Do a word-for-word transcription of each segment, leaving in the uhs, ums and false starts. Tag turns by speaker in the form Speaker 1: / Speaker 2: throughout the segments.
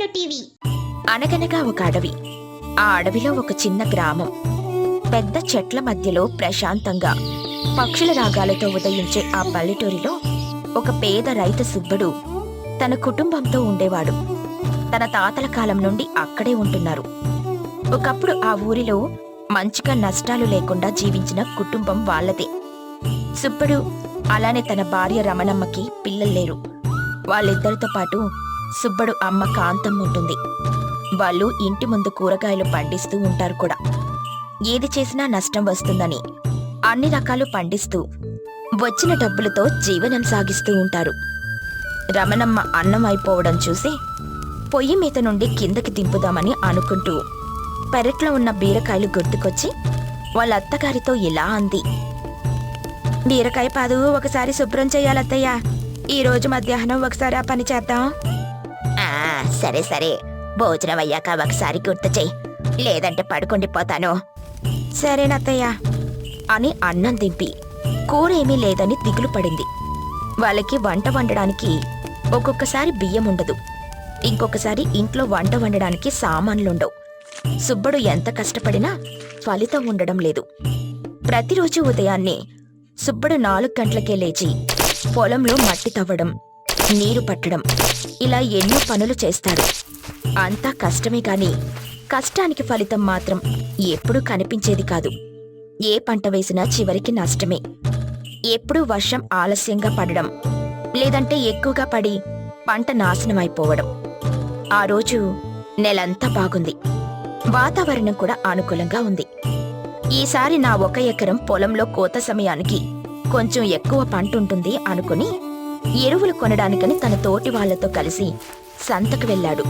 Speaker 1: TV.
Speaker 2: అనగనగా ఒక అడవి. ఆ అడవిలో ఒక చిన్న గ్రామం. పెద్ద చెట్ల మధ్యలో ప్రశాంతంగా పక్షుల రాగాలతో ఉదయించే ఆ పల్లెటూరిలో ఒక పేద రైతు సుబ్బడు తన కుటుంబంతో ఉండేవాడు. తన తాతల కాలం నుండి అక్కడే ఉంటున్నారు. ఒకప్పుడు ఆ ఊరిలో మంచిగా నష్టాలు లేకుండా జీవించిన కుటుంబం వాళ్ళదే. సుబ్బడు అలానే తన భార్య రమణమ్మకి పిల్లల్లేరు. వాళ్ళిద్దరితో పాటు సుబ్బడు అమ్మ కాంతం ఉంటుంది. వాళ్ళు ఇంటి ముందు కూరగాయలు పండిస్తూ ఉంటారు కూడా. ఏది చేసినా నష్టం వస్తుందని అన్ని రకాలు పండిస్తూ వచ్చిన డబ్బులతో జీవనం సాగిస్తూ ఉంటారు. రమణమ్మ అన్నం అయిపోవడం చూసి పొయ్యి మీద నుండి కిందకి దింపుదామని అనుకుంటూ పెరట్లో ఉన్న బీరకాయలు గుర్తుకొచ్చి వాళ్ళ అత్తగారితో ఇలా అంది. బీరకాయ పాదు ఒకసారి శుభ్రం చెయ్యాలత్తయ్యా. ఈరోజు మధ్యాహ్నం ఒకసారి ఆ పని చేద్దాం. సరే సరే, భోజనం అయ్యాక ఒకసారి గుర్తు చెయ్యి, లేదంటే పడుకుండిపోతాను. సరేనత్తయ్యా అని అన్నం దింపి కూరేమీ లేదని దిగులు పడింది. వాళ్ళకి వంట వండడానికి ఒక్కొక్కసారి బియ్యం ఉండదు, ఇంకొకసారి ఇంట్లో వంట వండడానికి సామాన్లుండవు. సుబ్బడు ఎంత కష్టపడినా ఫలితం ఉండడం లేదు. ప్రతిరోజు ఉదయాన్నే సుబ్బడు నాలుగు గంటలకే లేచి పొలంలో మట్టి తవ్వడం, నీరు పట్టడం, ఇలా ఎన్నో పనులు చేస్తాడు. అంతా కష్టమే కాని కష్టానికి ఫలితం మాత్రం ఎప్పుడూ కనిపించేది కాదు. ఏ పంట వేసినా చివరికి నష్టమే. ఎప్పుడూ వర్షం ఆలస్యంగా పడడం, లేదంటే ఎక్కువగా పడి పంట నాశనమైపోవడం. ఆ రోజు నెలంతా బాగుంది, వాతావరణం కూడా అనుకూలంగా ఉంది. ఈసారి నా ఒక ఎకరం పొలంలో కోత సమయానికి కొంచెం ఎక్కువ పంటుంటుంది అనుకుని ఎరువులు కొనడానికని తన తోటి వాళ్లతో కలిసి సంతకు వెళ్ళాడు.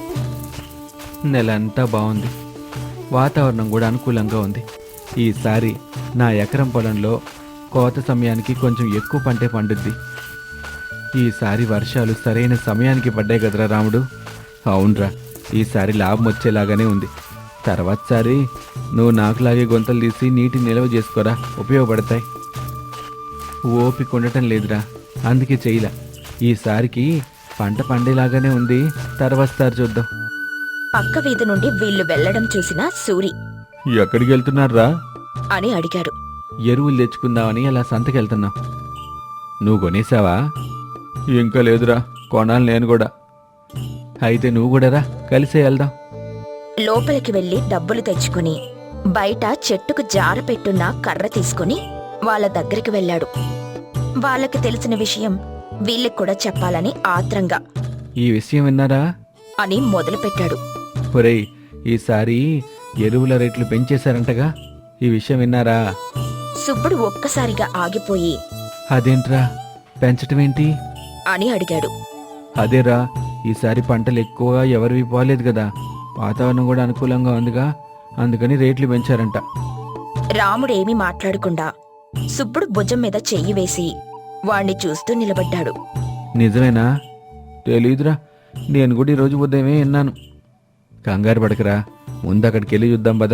Speaker 3: నెలంతా బాగుంది, వాతావరణం కూడా అనుకూలంగా ఉంది. ఈసారి నా ఎకరం పొలంలో కోత సమయానికి కొంచెం ఎక్కువ పంటే పండుద్ది. ఈసారి వర్షాలు సరైన సమయానికి పడ్డాయి కదరా రాముడు. అవునరా, ఈసారి లాభం వచ్చేలాగానే ఉంది. తర్వాతసారి నువ్వు నాకులాగే గొంతలు తీసి నీటి నిల్వ చేసుకోరా, ఉపయోగపడతాయి. ఓపిక ఉండటం లేదురా, అందుకే చెయ్యలా. ఈసారికి పంట పండేలాగానే ఉంది, తర్వాతసారి చూద్దాం.
Speaker 2: పక్క వీధి నుండి వీళ్లు వెళ్లడం చూసిన సూరి
Speaker 3: ఎక్కడికి వెళ్తున్నారా
Speaker 2: అని అడిగాడు.
Speaker 3: ఎరువులు తెచ్చుకుందామని అలా సంతకెళ్తున్నాం. నువ్వు కొనేసావా? ఇంకా లేదురా, కొనాలి నేను కూడా. అయితే నువ్వు కూడా రా, కలిసే వెళ్దాం.
Speaker 2: లోపలికి వెళ్లి డబ్బులు తెచ్చుకుని బయట చెట్టుకు జార పెట్టున్న కర్ర తీసుకుని వాళ్ళ దగ్గరికి వెళ్ళాడు. వాళ్ళకి తెలిసిన విషయం వీళ్ళకి కూడా చెప్పాలని ఆత్రంగా
Speaker 3: ఈ విషయం విన్నారా
Speaker 2: అని మొదలుపెట్టాడు.
Speaker 3: ఒరేయ్, ఈసారి ఎరువుల రేట్లు పెంచేశారంటగా, ఈ విషయం విన్నారా?
Speaker 2: సుబ్బడు ఒక్కసారిగా ఆగిపోయి
Speaker 3: అదేంట్రా, పెంచటమేంటి
Speaker 2: అని అడిగాడు.
Speaker 3: అదేరా, ఈసారి పంటలు ఎక్కువగా ఎవరివి పోలేదు కదా, వాతావరణం కూడా అనుకూలంగా ఉందిగా, అందుకని రేట్లు పెంచారంట.
Speaker 2: రాముడేమీ మాట్లాడకుండా సుబ్బడు భుజం మీద చెయ్యి వేసి వాణ్ణి చూస్తూ నిలబడ్డాడు.
Speaker 3: నిజమేనా? తెలీదురా, నేను కూడా ఈరోజు ఉదయమే విన్నాను. కంగారు పడకరా, ముందు అక్కడికి వెళ్ళి చూద్దాం పదా.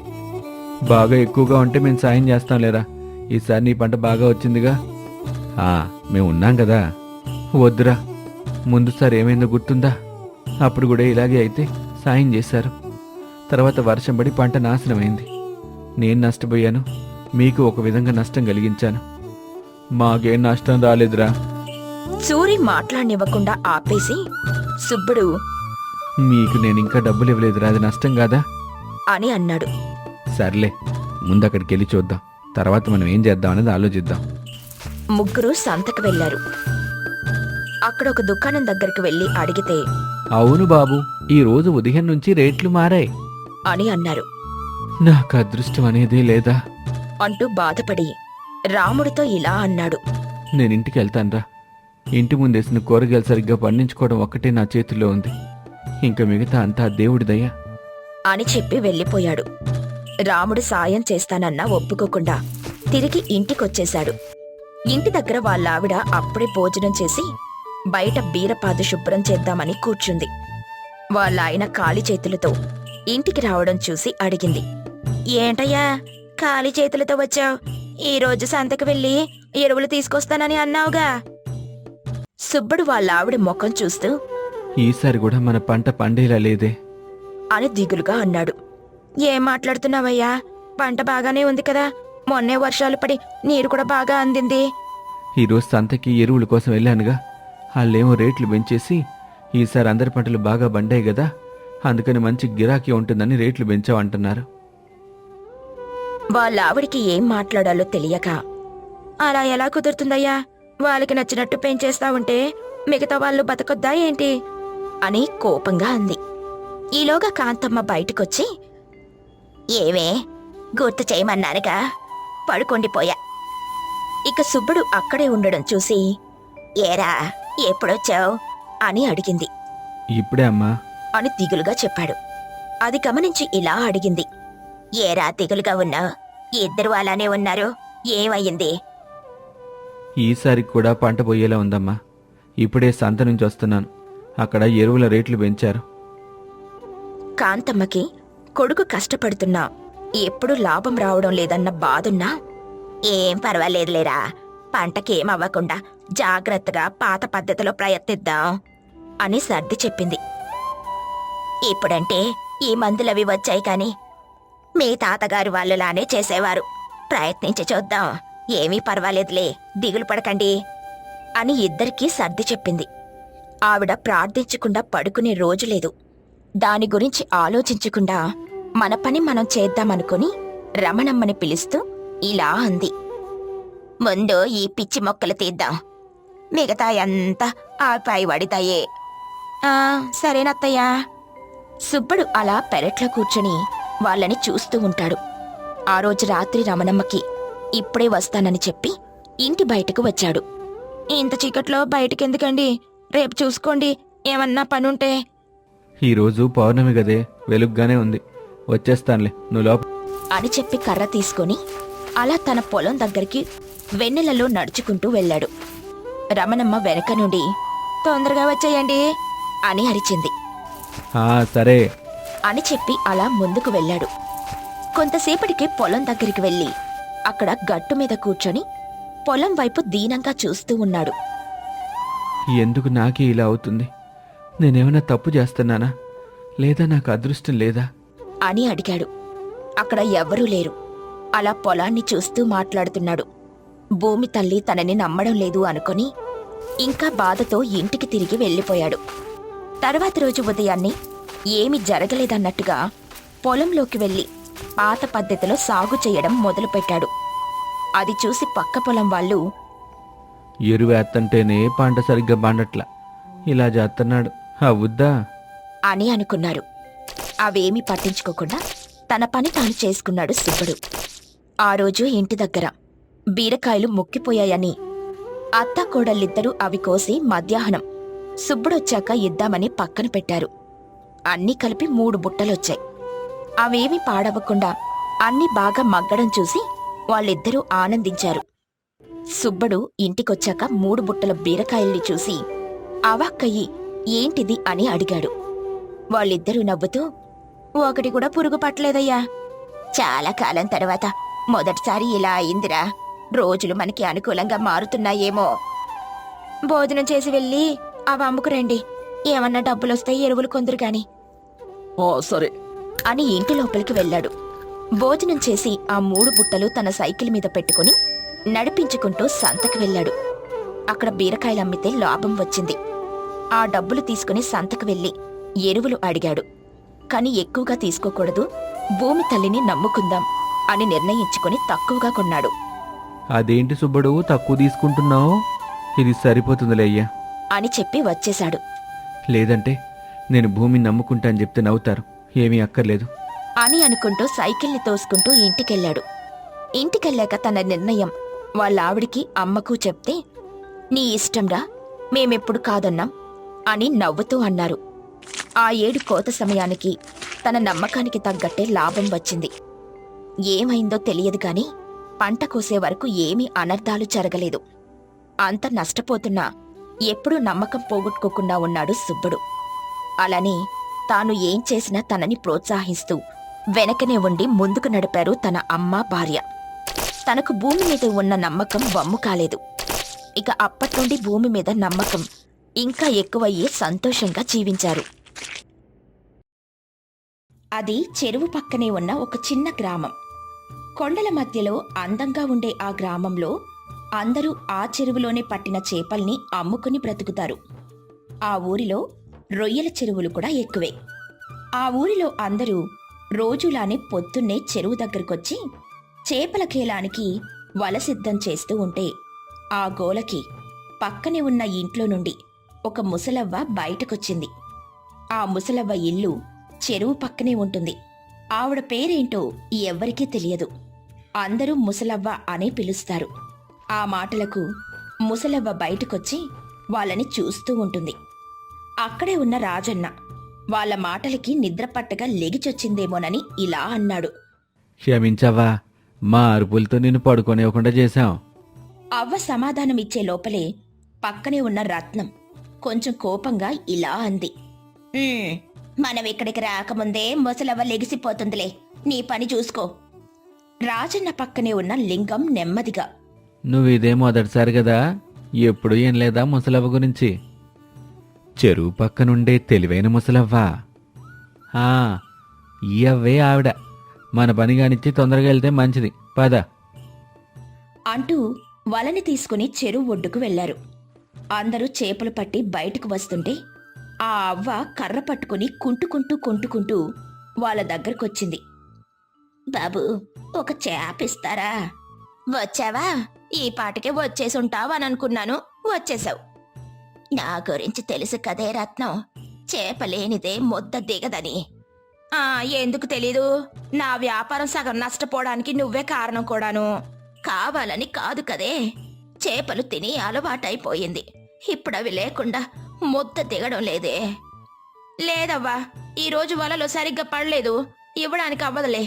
Speaker 3: బాగా ఎక్కువగా ఉంటే మేము సాయం చేస్తాం లేరా, ఈసారి నీ పంట బాగా వచ్చిందిగా. ఆ, మేము ఉన్నాం కదా. వద్దురా, ముందుసారి ఏమైందో గుర్తుందా? అప్పుడు కూడా ఇలాగే అయితే సాయం చేశారు. తర్వాత వర్షం పడి పంట నాశనమైంది. నేను నష్టపోయాను, మీకు ఒక విధంగా నష్టం కలిగించాను. మాకేం నష్టం రాలేదురా.
Speaker 2: సూరి మాట్లాడనివ్వకుండా ఆపేసి సుబ్బడు
Speaker 3: మీకు నేను ఇంకా డబ్బులు ఇవ్వలేదురా, అది నష్టం కాదా
Speaker 2: అని అన్నాడు.
Speaker 3: సర్లే, ముందు అక్కడికి వెళ్ళి చూద్దాం, తర్వాత మనం ఏం చేద్దాం అనేది ఆలోచిద్దాం.
Speaker 2: ముగ్గురు సంతకు వెళ్లారు. అక్కడ ఒక దుకాణం దగ్గరికి వెళ్లి అడిగితే
Speaker 3: అవును బాబు, ఈ రోజు ఉదయం నుంచి రేట్లు మారాయి
Speaker 2: అని అన్నారు.
Speaker 3: నాకు అదృష్టం అనేదే లేదా
Speaker 2: అంటూ బాధపడి రాముడితో ఇలా అన్నాడు.
Speaker 3: నేనింటికి వెళ్తాన్రా. ఇంటి ముందేసిన కూరగాయలు సరిగ్గా పండించుకోవడం ఒక్కటే నా చేతిలో ఉంది, ఇంకా మిగతా అంతా దేవుడి దయ
Speaker 2: అని చెప్పి వెళ్ళిపోయాడు. రాముడు సాయం చేస్తానన్నా ఒప్పుకోకుండా తిరిగి ఇంటికొచ్చేశాడు. ఇంటి దగ్గర వాళ్ళావిడ అప్పుడే భోజనం చేసి బయట బీరపాదు శుభ్రం చేద్దామని కూర్చుంది. వాళ్ళాయన ఖాళీ చేతులతో ఇంటికి రావడం చూసి అడిగింది. ఏంటయ్యా ఖాళీ చేతులతో వచ్చావు? ఈరోజు సంతకు వెళ్ళి ఎరువులు తీసుకొస్తానని అన్నావుగా. సుబ్బడు వాళ్ళావిడ ముఖం చూస్తూ
Speaker 3: ఈసారి కూడా మన పంట పండేలా లేదే.
Speaker 2: అని దిగులుగా అన్నాడు. ఏం మాట్లాడుతున్నావయ్యా? పంట బాగానే ఉంది కదా, మొన్నే వర్షాలు పడి నీరు కూడా బాగా అందింది.
Speaker 3: ఈరోజు సంతకి ఎరువుల కోసం వెళ్ళానుగా, వాళ్ళేమో రేట్లు పెంచేసి ఈసారి అందరి పంటలు బాగా పండాయి కదా, అందుకని మంచి గిరాకీ ఉంటుందని రేట్లు పెంచావంటున్నారు.
Speaker 2: వాళ్ళ ఆవిడికి ఏం మాట్లాడాలో తెలియక, అలా ఎలా కుదురుతుందయ్యా? వాళ్ళకి నచ్చినట్టు పెంచేస్తా ఉంటే మిగతా వాళ్ళు బతకొద్దా ఏంటి అని కోపంగా అంది. ఈలోగా కాంతమ్మ బయటకొచ్చి, ఏవే గుర్తు చేయమన్నానుగా, పడుకొండిపోయా. ఇక సుబ్బడు అక్కడే ఉండడం చూసి, ఏరా ఎప్పుడొచ్చావు అని అడిగింది.
Speaker 3: ఇప్పుడే అమ్మా
Speaker 2: అని దిగులుగా చెప్పాడు. అది గమనించి ఇలా అడిగింది, ఏరా దిగులుగా ఉన్నావు? ఇద్దరు అలానే ఉన్నారు, ఏమయ్యింది?
Speaker 3: ఈసారి కూడా పంట పోయేలా ఉందమ్మా. ఇప్పుడే సంత నుంచి వస్తున్నాను, అక్కడ ఎరువుల రేట్లు పెంచారు.
Speaker 2: కాంతమ్మకి కొడుకు కష్టపడుతున్నా ఎప్పుడు లాభం రావడం లేదన్న బాధున్నా, ఏం పర్వాలేదులేరా, పంటకేమవ్వకుండా జాగ్రత్తగా పాత పద్ధతిలో ప్రయత్నిద్దాం అని సర్ది చెప్పింది. ఇప్పుడంటే ఈ మందులవి వచ్చాయి కాని మీ తాతగారు వాళ్ళలానే చేసేవారు, ప్రయత్నించి చూద్దాం, ఏమీ పర్వాలేదులే, దిగులు పడకండి అని ఇద్దరికీ సర్ది చెప్పింది. ఆవిడ ప్రార్థించకుండా పడుకునే రోజు లేదు. దాని గురించి ఆలోచించకుండా మన పని మనం చేద్దామనుకుని రమణమ్మని పిలుస్తూ ఇలా అంది, ముందు ఈ పిచ్చి మొక్కలు తీద్దాం, మిగతా అంతా ఆ పై వడితాయే. ఆ సరేనత్తయ్యా. సుబ్బడు అలా పెరట్లో కూర్చుని వాళ్ళని చూస్తూ ఉంటాడు. ఆ రోజు రాత్రి రమణమ్మకి ఇప్పుడే వస్తానని చెప్పి ఇంటి బయటకు వచ్చాడు. ఇంత చీకట్లో బయటకెందుకండి, రేపు చూసుకోండి, ఏమన్నా పనుంటే.
Speaker 3: ఈరోజు పౌర్ణమి గదే, వెలుగ్గానే ఉంది, వచ్చేస్తానులే, నువ్వు లోప
Speaker 2: అని చెప్పి కర్ర తీసుకొని అలా తన పొలం దగ్గరికి వెన్నెలలో నడుచుకుంటూ వెళ్ళాడు. రమణమ్మ వెనక నుండి తొందరగా వచ్చేయండి అని అరిచింది.
Speaker 3: ఆ సరే
Speaker 2: అని చెప్పి అలా ముందుకు వెళ్ళాడు. కొంతసేపటికి పొలం దగ్గరికి వెళ్ళి అక్కడ గట్టు మీద కూర్చొని పొలం వైపు దీనంగా చూస్తూ ఉన్నాడు.
Speaker 3: ఎందుకు నాకే ఇలా అవుతుంది? నేనేమైనా తప్పు చేస్తున్నానా, లేదా నాకు అదృష్టం లేదా
Speaker 2: అని అడిగాడు. అక్కడ ఎవ్వరూ లేరు. అలా పొలాన్ని చూస్తూ మాట్లాడుతున్నాడు. భూమి తల్లి తనని నమ్మడం లేదు అనుకొని ఇంకా బాధతో ఇంటికి తిరిగి వెళ్ళిపోయాడు. తర్వాత రోజు ఉదయాన్నే ఏమీ జరగలేదన్నట్టుగా పొలంలోకి వెళ్ళి పాత పద్ధతిలో సాగు చేయడం మొదలుపెట్టాడు. అది చూసి పక్క పొలం వాళ్ళు,
Speaker 3: ఎరువేత్తంటేనే పంట సరిగ్గా పండట్లా, ఇలా చేస్తున్నాడు, అవుద్దా
Speaker 2: అని అనుకున్నారు. అవేమీ పట్టించుకోకుండా తన పని తాను చేసుకున్నాడు సుబ్బడు. ఆ రోజు ఇంటి దగ్గర బీరకాయలు ముక్కిపోయాయని అత్త కోడళ్ళిద్దరూ అవి కోసి మధ్యాహ్నం సుబ్బడొచ్చాక ఇద్దామని పక్కన పెట్టారు. అన్నీ కలిపి మూడు బుట్టలొచ్చాయి. అవేమీ పాడవకుండా అన్నీ బాగా మగ్గడం చూసి వాళ్ళిద్దరూ ఆనందించారు. సుబ్బడు ఇంటికొచ్చాక మూడు బుట్టల బీరకాయల్ని చూసి అవాక్కయ్యి ఏంటిది అని అడిగాడు. వాళ్ళిద్దరూ నవ్వుతూ, ఒకటి కూడా పురుగు పట్టలేదయ్యా, చాలా కాలం తర్వాత మొదటిసారి ఇలా అయిందిరా, రోజులు మనకి అనుకూలంగా మారుతున్నాయేమో. భోజనం చేసి వెళ్ళి అవి అమ్ముకురండి, ఏమన్నా డబ్బులొస్తే ఎరువులు కొందరు గాని.
Speaker 3: ఓ సరే
Speaker 2: అని ఇంటి లోపలికి వెళ్ళాడు. భోజనం చేసి ఆ మూడు బుట్టలు తన సైకిల్ మీద పెట్టుకుని నడిపించుకుంటూ సంతకి వెళ్ళాడు. అక్కడ బీరకాయలు అమ్మితే లాభం వచ్చింది. ఆ డబ్బులు తీసుకుని సంతకు వెళ్ళి ఎరువులు అడిగాడు. కాని ఎక్కువగా తీసుకోకూడదు, భూమి తల్లిని నమ్ముకుందాం అని నిర్ణయించుకుని తక్కువగా కొన్నాడు.
Speaker 3: అదేంటి సుబ్బడు తక్కువ తీసుకుంటున్నావు, ఇది సరిపోతుందిలే అయ్యా
Speaker 2: అని చెప్పి వచ్చేశాడు.
Speaker 3: లేదంటే నేను భూమిని నమ్ముకుంటా అని చెప్తే నవ్వుతారు, ఏమీ అక్కర్లేదు
Speaker 2: అని అనుకుంటూ సైకిల్ని తోసుకుంటూ ఇంటికెళ్ళాడు. ఇంటికెళ్ళాక తన నిర్ణయం వాళ్ళ ఆవిడికి అమ్మకు చెప్తే, నీ ఇష్టంరా, మేమెప్పుడు కాదన్నాం అని నవ్వుతూ అన్నారు. ఆ ఏడు కోత సమయానికి తన నమ్మకానికి తగ్గట్టే లాభం వచ్చింది. ఏమైందో తెలియదు గాని పంట కోసే వరకు ఏమీ అనర్థాలు జరగలేదు. అంత నష్టపోతున్నా ఎప్పుడూ నమ్మకం పోగొట్టుకోకుండా ఉన్నాడు సుబ్బడు. అలానే తాను ఏం చేసినా తనని ప్రోత్సహిస్తూ వెనకనే ఉండి ముందుకు నడిపారు తన అమ్మ, భార్య. తనకు భూమి మీద ఉన్న నమ్మకం వమ్ము కాలేదు. ఇక అప్పట్నుండి భూమి మీద నమ్మకం ఇంకా ఎక్కువయ్యి సంతోషంగా జీవించారు. అది చెరువు పక్కనే ఉన్న ఒక చిన్న గ్రామం. కొండల మధ్యలో అందంగా ఉండే ఆ గ్రామంలో అందరూ ఆ చెరువులోనే పట్టిన చేపల్ని అమ్ముకుని బ్రతుకుతారు. ఆ ఊరిలో రొయ్యల చెరువులు కూడా ఎక్కువే. ఆ ఊరిలో అందరూ రోజులానే పొద్దున్నే చెరువు దగ్గరకొచ్చి చేపల కేలానికి వల సిద్ధం చేస్తూ ఉంటే ఆ గోలకి పక్కనే ఉన్న ఇంట్లో నుండి ఒక ముసలవ్వ బయటకొచ్చింది. ఆ ముసలవ్వ ఇల్లు చెరువు పక్కనే ఉంటుంది. ఆవిడ పేరేంటో ఎవ్వరికీ తెలియదు. అందరూ ముసలవ్వ అనే పిలుస్తారు. ఆ మాటలకు ముసలవ్వ బయటకొచ్చి వాళ్ళని చూస్తూ ఉంటుంది. అక్కడే ఉన్న రాజన్న వాళ్ళ మాటలకి నిద్రపట్టగా లెగిచొచ్చిందేమోనని ఇలా అన్నాడు.
Speaker 3: క్షమించవ్వా, మా అరుపులతో నిన్ను పడుకోనివ్వకుండా చేశాం.
Speaker 2: అవ్వ సమాధానమిచ్చే లోపలే పక్కనే ఉన్న రత్నం కొంచెం కోపంగా ఇలా అంది. "ఉమ్, మనం ఇక్కడికి రాకముందే ముసలవ్వ లెగిసిపోతుందిలే, నీ పని చూసుకో." రాజన్న పక్కనే ఉన్న లింగం నెమ్మదిగా,
Speaker 3: నువ్వు ఇదే మొదటిసారి కదా, ఎప్పుడు ఏం లేదా ముసలవ్వ గురించి? చెరువు పక్కనుండే తెలివైన ముసలవ్వా? ఆ, ఈ అవ్వే ఆవిడ. మన పని కానిచ్చి తొందరగా వెళ్తే మంచిది, పద.
Speaker 2: అంటూ వలని తీసుకుని చెరువు ఒడ్డుకు వెళ్లారు. అందరూ చేపలు పట్టి బయటకు వస్తుంటే ఆ అవ్వ కర్ర పట్టుకుని కుంటుకుంటూ కుంటుకుంటూ వాళ్ళ దగ్గరకొచ్చింది. "బాబు, ఒక చేప ఇస్తారా?" "వచ్చావా? ఈ పాటికే వచ్చేసుంటావని అనుకున్నాను, వచ్చేసావు." "నా గురించి తెలుసు కదే రత్నం, చేప లేనిదే ముద్ద దిగదని." "ఆ, ఎందుకు తెలీదు? నా వ్యాపారం సగం నష్టపోవడానికి నువ్వే కారణం కూడాను. కావాలని కాదు కదే, చేపలు తిని అలవాటైపోయింది. ఇప్పుడవి లేకుండా ముద్ద దిగడం లేదే." "లేదవ్వా, ఈరోజు వలలో సరిగ్గా పడలేదు, ఇవ్వడానికి అవ్వదులే."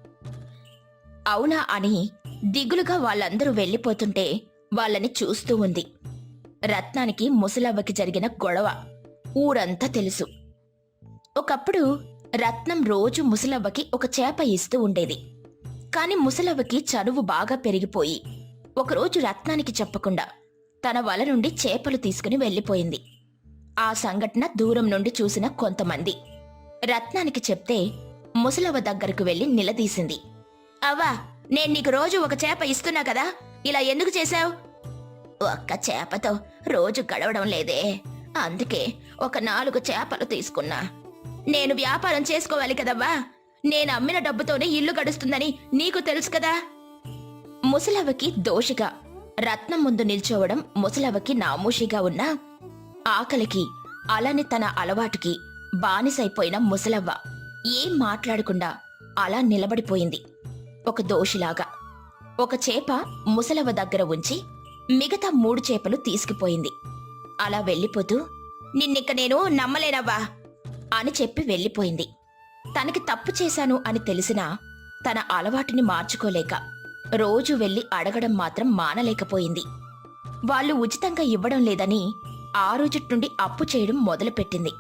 Speaker 2: అవునా అని దిగులుగా వాళ్ళందరూ వెళ్ళిపోతుంటే వాళ్ళని చూస్తూ ఉంది. రత్నానికి ముసలవ్వకి జరిగిన గొడవ ఊరంతా తెలుసు. ఒకప్పుడు రత్నం రోజు ముసలవ్వకి ఒక చేప ఇస్తూ ఉండేది. కాని ముసలవ్వకి చనువు బాగా పెరిగిపోయి ఒకరోజు రత్నానికి చెప్పకుండా తన వల నుండి చేపలు తీసుకుని వెళ్ళిపోయింది. ఆ సంఘటన దూరం నుండి చూసిన కొంతమంది రత్నానికి చెప్తే ముసలవ్వ దగ్గరకు వెళ్లి నిలదీసింది. "అవ్వా, నేను నీకు రోజు ఒక చేప ఇస్తున్నా కదా, ఇలా ఎందుకు చేశావు?" "ఒక్క చేపతో రోజు గడవడం లేదే, అందుకే ఒక నాలుగు చేపలు తీసుకున్నా." "నేను వ్యాపారం చేసుకోవాలి కదవ్వా, నేను అమ్మిన డబ్బుతోనే ఇల్లు గడుస్తుందని నీకు తెలుసు కదా." ముసలవ్వకి దోషిగా రత్నం ముందు నిల్చోవడం ముసలవ్వకి నామూషిగా ఉన్నా, ఆకలికి అలానే తన అలవాటుకి బానిసైపోయిన ముసలవ్వ ఏం మాట్లాడకుండా అలా నిలబడిపోయింది ఒక దోషిలాగా. ఒక చేప ముసలవ్వ దగ్గర ఉంచి మిగతా మూడు చేపలు తీసుకుపోయింది. అలా వెళ్ళిపోతూ, "నిన్నిక్క నేను నమ్మలేనవ్వా" అని చెప్పి వెళ్ళిపోయింది. తనకి తప్పు చేశాను అని తెలిసినా తన అలవాటుని మార్చుకోలేక రోజు వెళ్లి అడగడం మాత్రం మానలేకపోయింది. వాళ్ళు ఉచితంగా ఇవ్వడం లేదని ఆ రోజు నుండి అప్పు చేయడం మొదలుపెట్టింది.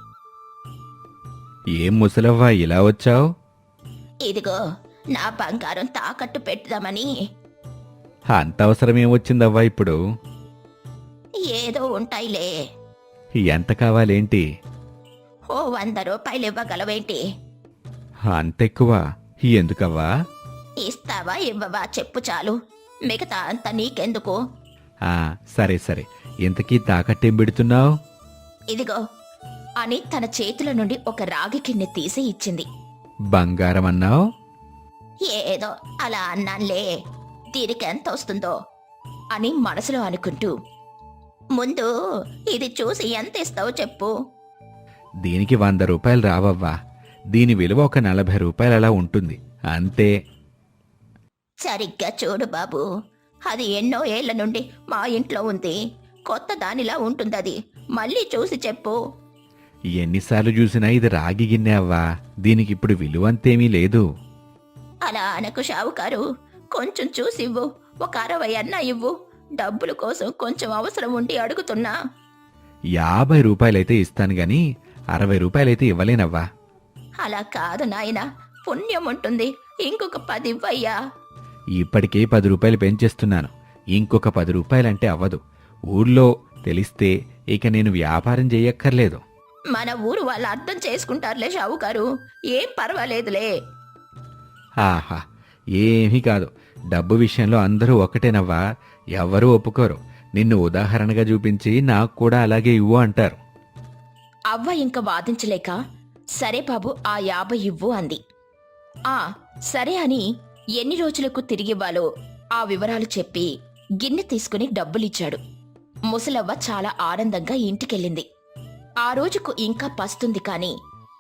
Speaker 3: ఏం ముసలవ్వా ఇలా వచ్చావు?
Speaker 2: "ఇదిగో నా బంగారం తాకట్టు పెట్టుదామని."
Speaker 3: అంత అవసరం ఏమొచ్చిందవ్వా ఇప్పుడు?
Speaker 2: "ఏదో ఉంటాయిలే."
Speaker 3: ఎంత కావాలేంటి?
Speaker 2: "ఓ వంద రూపాయలు ఇవ్వగలవేంటి?"
Speaker 3: అంతెక్కువ ఎందుకవ్వా?
Speaker 2: "ఇస్తావా ఇవ్వవా చెప్పు చాలు, మిగతా అంతా నీకెందుకు."
Speaker 3: ఆ, సరే సరే, ఇంతకీ తాకట్టేం పెడుతున్నావు?
Speaker 2: "ఇదిగో" అని తన చేతుల నుండి ఒక రాగి కిన్నె తీసి ఇచ్చింది.
Speaker 3: బంగారం అన్నావు?
Speaker 2: "ఏదో అలా అన్నాన్లే, దీనికెంత వస్తుందో" అని మనసులో అనుకుంటూ, "ముందు ఇది చూసి ఎంత ఇస్తావో చెప్పు."
Speaker 3: దీనికి వంద రూపాయలు రావవ్వా, దీని విలువ ఒక నలభై రూపాయలు అలా ఉంటుంది అంతే.
Speaker 2: "సరిగ్గా చూడు బాబు, అది ఎన్నో ఏళ్ల నుండి మా ఇంట్లో ఉంది, కొత్త దానిలా ఉంటుందది, మళ్ళీ చూసి చెప్పు."
Speaker 3: ఎన్నిసార్లు చూసినా ఇది రాగి గిన్నె అవ్వా, దీనికి ఇప్పుడు విలువ అంతేమీ లేదు.
Speaker 2: "అలా అనకు షావుకారు, కొంచెం చూసివ్వు, ఒక అరవై అన్నా ఇవ్వు, డబ్బుల కోసం కొంచెం అవసరం ఉండి అడుగుతున్నా."
Speaker 3: యాభై రూపాయలైతే ఇస్తాను గాని అరవై రూపాయలైతే ఇవ్వలేనవ్వా.
Speaker 2: "అలా కాదు నాయనా, పుణ్యం ఉంటుంది, ఇంకొక పది ఇవ్వయ్యా."
Speaker 3: ఇప్పటికే పది రూపాయలు పెంచేస్తున్నాను, ఇంకొక పది రూపాయలంటే అవ్వదు. ఊళ్ళో తెలిస్తే ఇక నేను వ్యాపారం చెయ్యక్కర్లేదు.
Speaker 2: మన ఊరు వాళ్ళు అర్థం చేసుకుంటారులే షావుకారు, ఏం పర్వాలేదులే.
Speaker 3: ఆహా, ఏమీ కాదు. డబ్బు విషయంలో అందరూ ఒకటేనవ్వా, ఎవ్వరూ ఒప్పుకోరు. నిన్ను ఉదాహరణగా చూపించి నాకు కూడా అలాగే ఇవ్వు అంటారు.
Speaker 2: అవ్వ ఇంక వాదించలేక, సరే బాబు ఆ యాభై ఇవ్వు అంది. ఆ సరే అని ఎన్ని రోజులకు తిరిగివ్వాలో ఆ వివరాలు చెప్పి గిన్నె తీసుకుని డబ్బులిచ్చాడు. ముసలవ్వ చాలా ఆనందంగా ఇంటికెళ్ళింది. ఆ రోజుకు ఇంకా పస్తుంది కాని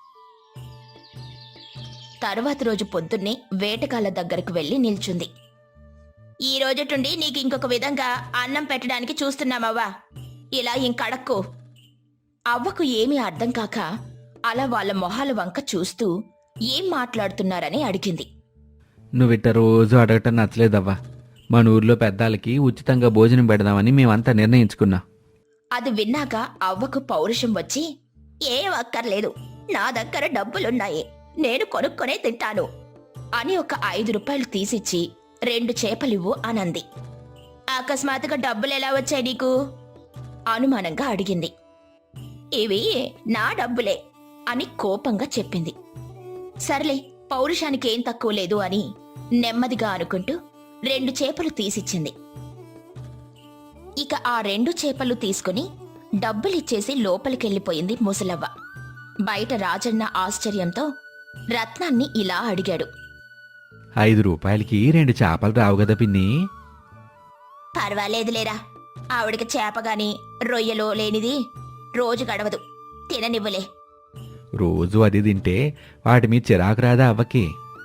Speaker 2: తర్వాత రోజు పొద్దున్నే వేటగాళ్ళ దగ్గరకు వెళ్లి నిల్చుంది. ఈ రోజుటుండి నీకు ఇంకొక విధంగా అన్నం పెట్టడానికి చూస్తున్నామవ్వా, ఇలా ఇంకడక్కు. అవ్వకు ఏమీ అర్థం కాక అలా వాళ్ళ మొహాల వంక చూస్తూ ఏం మాట్లాడుతున్నారని అడిగింది.
Speaker 3: నువ్విట్ట రోజు అడగటం నచ్చలేదవ్వా. మన ఊర్లో పెద్దాలకి ఉచితంగా భోజనం పెడదామని మేమంతా నిర్ణయించుకున్నాం.
Speaker 2: అది విన్నాక అవ్వకు పౌరుషం వచ్చి, ఏం అక్కర్లేదు, నా దగ్గర డబ్బులున్నాయి, నేను కొనుక్కొనే తింటాను అని ఒక ఐదు రూపాయలు తీసిచ్చి రెండు చేపలివ్వు అనంది. అకస్మాత్తుగా డబ్బులెలా వచ్చాయి నీకు అనుమానంగా అడిగింది. ఇవి నా డబ్బులే అని కోపంగా చెప్పింది. సర్లే, పౌరుషానికి ఏం తక్కువ లేదు అని నెమ్మదిగా అనుకుంటూ రెండు చేపలు తీసిచ్చింది. ఇక ఆ రెండు చేపలు తీసుకుని డబ్బులిచ్చేసి లోపలికెళ్ళిపోయింది ముసలవ్వ. బయట రాజన్న ఆశ్చర్యంతో రత్నాన్ని ఇలా అడిగాడు.
Speaker 3: ఐదు రూపాయలకి రెండు చేపలు రావు కదా పిన్ని?
Speaker 2: పర్వాలేదులేరా, ఆవిడకి చేపగాని రొయ్యలో లేనిది రోజు గడవదు, తిననివ్వలే.
Speaker 3: రోజు అది తింటే వాటి మీద చిరాకు రాదా అవ్వకి?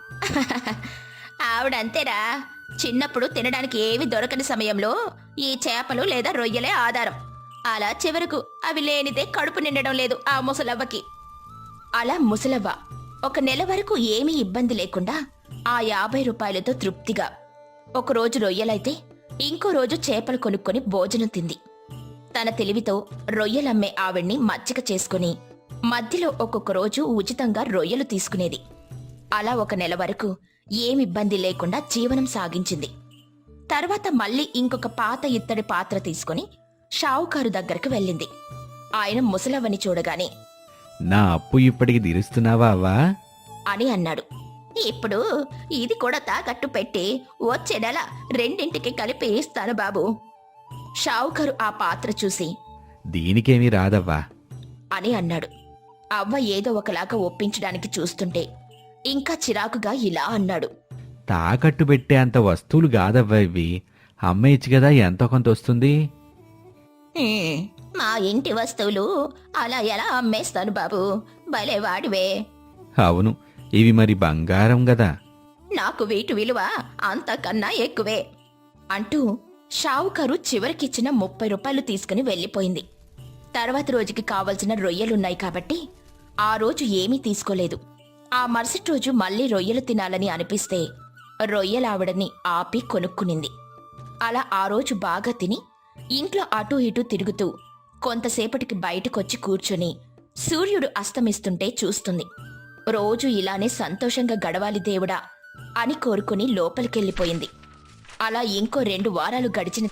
Speaker 2: ఆవిడంతేరా, చిన్నప్పుడు తినడానికి ఏవి దొరకని సమయంలో ఈ చేపలు లేదా రొయ్యలే ఆధారం. అలా చివరకు అవి లేనిదే కడుపు నిండడం లేదు ఆ ముసలవ్వకి. అలా ముసలవ్వ ఒక నెల వరకు ఏమీ ఇబ్బంది లేకుండా ఆ యాభై రూపాయలతో తృప్తిగా ఒకరోజు రొయ్యలైతే ఇంకో రోజు చేపలు కొనుక్కొని భోజనం తింది. తన తెలివితో రొయ్యలమ్మే ఆవిడ్ని మచ్చిక చేసుకుని మధ్యలో ఒక్కొక్క రోజు ఉచితంగా రొయ్యలు తీసుకునేది. అలా ఒక నెల వరకు ఏమిబ్బంది లేకుండా జీవనం సాగించింది. తర్వాత మళ్ళీ ఇంకొక పాత ఇత్తడి పాత్ర తీసుకుని షావుకారు దగ్గరకు వెళ్ళింది. ఆయన ముసలవ్వని చూడగానే,
Speaker 3: నా అప్పు ఇప్పటికి తీరుస్తున్నావా అవ్వా
Speaker 2: అని అన్నాడు. ఇప్పుడు ఇది కూడా తాకట్టు పెట్టి వచ్చే నెల రెండింటికి కలిపి ఇస్తాను బాబు. షావుకారు ఆ పాత్ర చూసి,
Speaker 3: దీనికేమీ రాదవ్వా
Speaker 2: అని అన్నాడు. అవ్వ ఏదో ఒకలాగా ఒప్పించడానికి చూస్తుంటే ఇంకా చిరాకుగా ఇలా అన్నాడు.
Speaker 3: తాకట్టు పెట్టే అంత వస్తువులు కాదవ్వా ఇవి. అమ్మేయచ్చు కదా, ఎంతో కొంత వస్తుంది.
Speaker 2: "హ్మ్, మా ఇంటి వస్తువులు అలా ఎలా అమ్మేస్తాను బాబు, భలే వాడివే.
Speaker 3: అవును, ఇవి మరి బంగారం గదా.
Speaker 2: నాకు వీటి విలువ అంతకన్నా ఎక్కువే" అంటూ షావుకారు చివరికిచ్చిన ముప్పై రూపాయలు తీసుకుని వెళ్ళిపోయింది. తర్వాత రోజుకి కావలసిన రొయ్యలున్నాయి కాబట్టి ఆ రోజు ఏమీ తీసుకోలేదు. ఆ మరుసటి రోజు మళ్ళీ రొయ్యలు తినాలని అనిపిస్తే రొయ్యలావిడని ఆపి కొనుక్కునింది. అలా ఆ రోజు బాగా తిని ఇంట్లో అటూ ఇటూ తిరుగుతూ కొంతసేపటికి బయటకొచ్చి కూర్చొని సూర్యుడు అస్తమిస్తుంటే చూస్తుంది. రోజు ఇలానే సంతోషంగా గడవాలి దేవుడా అని కోరుకుని లోపలికెళ్ళిపోయింది. అలా ఇంకో రెండు వారాలు గడిచిన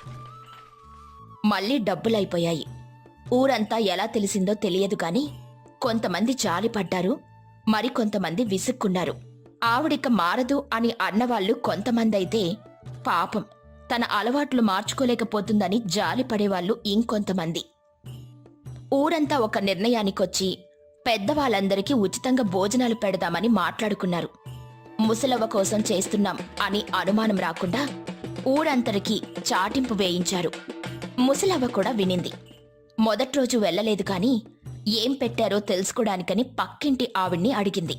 Speaker 2: మళ్ళీ డబ్బులైపోయాయి. ఊరంతా ఎలా తెలిసిందో తెలియదు గాని కొంతమంది జాలిపడ్డారు, మరికొంతమంది విసుక్కున్నారు. ఆవిడిక మారదు అని అన్నవాళ్లు కొంతమందైతే పాపం తన అలవాట్లు మార్చుకోలేకపోతుందని జాలిపడేవాళ్లు ఇంకొంతమంది. ఊరంతా ఒక నిర్ణయానికొచ్చి పెద్దవాళ్ళందరికీ ఉచితంగా భోజనాలు పెడదామని మాట్లాడుకున్నారు. ముసలవ్వ కోసం చేస్తున్నాం అని అనుమానం రాకుండా ఊరంతరికి చాటింపు వేయించారు. ముసలవ్వ కూడా వినింది. మొదటి రోజు వెళ్ళలేదు కాని ఏం పెట్టారో తెలుసుకోడానికని పక్కింటి ఆవిడ్ని అడిగింది.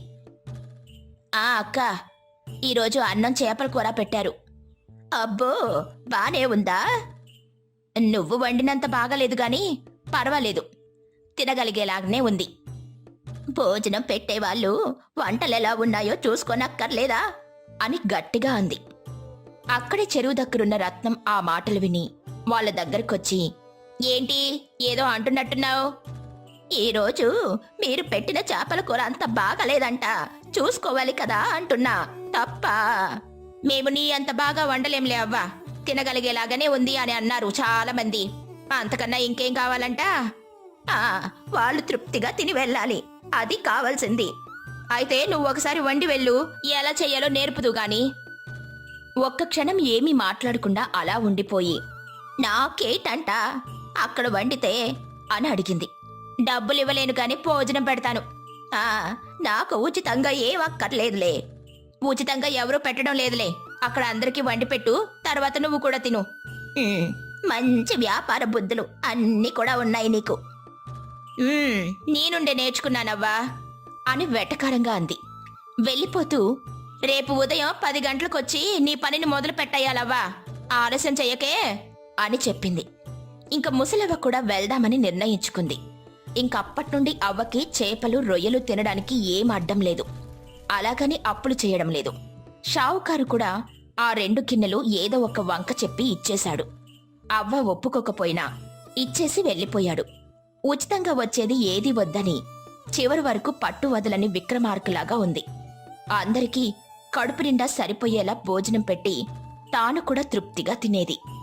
Speaker 2: ఆ అక్క, ఈరోజు అన్నం చేపల కూర పెట్టారు. అబ్బో, బానే ఉందా? నువ్వు వండినంత బాగాలేదు గాని పర్వాలేదు, తినగలిగేలాగనే ఉంది. భోజనం పెట్టేవాళ్ళు వంటలెలా ఉన్నాయో చూసుకోనక్కర్లేదా అని గట్టిగా అంది. అక్కడే చెరువు దగ్గరున్న రత్నం ఆ మాటలు విని వాళ్ళ దగ్గరకొచ్చి, ఏంటి ఏదో అంటున్నట్టున్నావు? ఈరోజు మీరు పెట్టిన చేపల కూర అంత బాగాలేదంట, చూసుకోవాలి కదా అంటున్నా, తప్ప? మేము నీ అంత బాగా వండలేంలే అవ్వా, తినగలిగేలాగానే ఉంది అని అన్నారు చాలా మంది. అంతకన్నా ఇంకేం కావాలంట? ఆ వాళ్ళు తృప్తిగా తిని వెళ్ళాలి, అది కావాల్సింది. అయితే నువ్వు ఒకసారి వండి వెళ్ళు, ఎలా చెయ్యాలో నేర్పుదు గాని. ఒక్క క్షణం ఏమీ మాట్లాడకుండా అలా ఉండిపోయి, నాకేటంట అక్కడ వండితే అని అడిగింది. డబ్బులు ఇవ్వలేను కాని భోజనం పెడతాను. ఆ నాకు ఉచితంగా ఏం అక్కర్లేదులే. ఉచితంగా ఎవరూ పెట్టడం లేదులే. అక్కడ అందరికీ వండి పెట్టు, తర్వాత నువ్వు కూడా తిను. "ఉమ్, మంచి వ్యాపార బుద్ధులు అన్నీ కూడా ఉన్నాయి నీకు." "ఉమ్, నీ నుండే నేర్చుకున్నానవ్వా" అని వెటకారంగా అంది. వెళ్ళిపోతూ, రేపు ఉదయం పది గంటలకొచ్చి నీ పనిని మొదలు పెట్టేయాలవ్వా, ఆలస్యం చెయ్యకే అని చెప్పింది. ఇంక ముసలవ్వ కూడా వెళ్దామని నిర్ణయించుకుంది. ఇంకప్పట్నుండి అవ్వకి చేపలు రొయ్యలు తినడానికి ఏం అడ్డం లేదు. అలాగని అప్పులు చేయడం లేదు. షావుకారు కూడా ఆ రెండు గిన్నెలు ఏదో ఒక వంక చెప్పి ఇచ్చేశాడు. అవ్వ ఒప్పుకోకపోయినా ఇచ్చేసి వెళ్ళిపోయాడు. ఉచితంగా వచ్చేది ఏది వద్దని చివరి వరకు పట్టు వదలని విక్రమార్కులాగా ఉంది. అందరికీ కడుపు నిండా సరిపోయేలా భోజనం పెట్టి తాను కూడా తృప్తిగా తినేది.